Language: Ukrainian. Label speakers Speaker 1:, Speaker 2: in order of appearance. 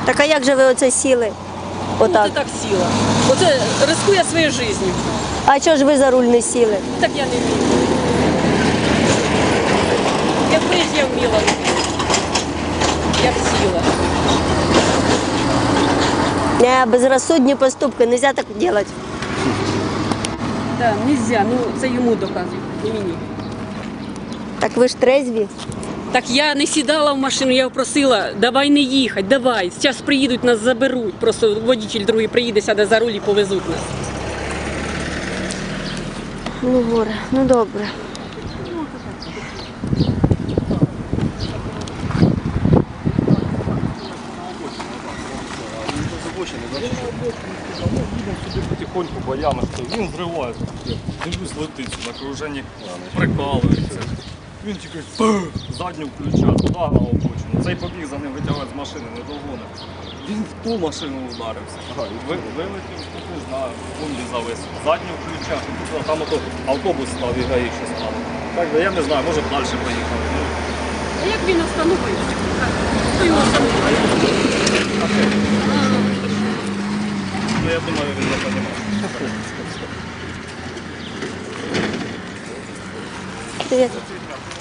Speaker 1: Так а як же ви оце сіли? Отак.
Speaker 2: Оце так сіла. Оце рискує своєю життю.
Speaker 1: А чого ж ви за руль не сіли?
Speaker 2: Так я не вмію. Якби ж я вміла, я б сіла.
Speaker 1: Не, безрозсудні поступки, нельзя так робити.
Speaker 2: Так, нельзя, ну це йому доказують, не мені.
Speaker 1: Так ви ж трезві.
Speaker 2: Так я не сідала в машину, я його просила, давай не їхати, давай. Зараз приїдуть, нас заберуть. Просто водитель другий приїде, сяде за руль і повезуть нас.
Speaker 1: Ну, горе, ну добре.
Speaker 3: Потихоньку боями, він зривається. Дивлюсь, летить на окруженні, прикалується. Він тільки задню включа, туди на обочину. Цей побіг за ним витягувати з машини, не догонив. Він в ту машину ударився. Вилетів, не знаю, фунді завис. Задню включа, там ото автобус став і гаїше стало. Так, я не знаю, може б далі поїхав.
Speaker 2: А як він остановився? Хто його остановив?
Speaker 3: Ну, я думаю, він не розуміє.
Speaker 1: Привіт.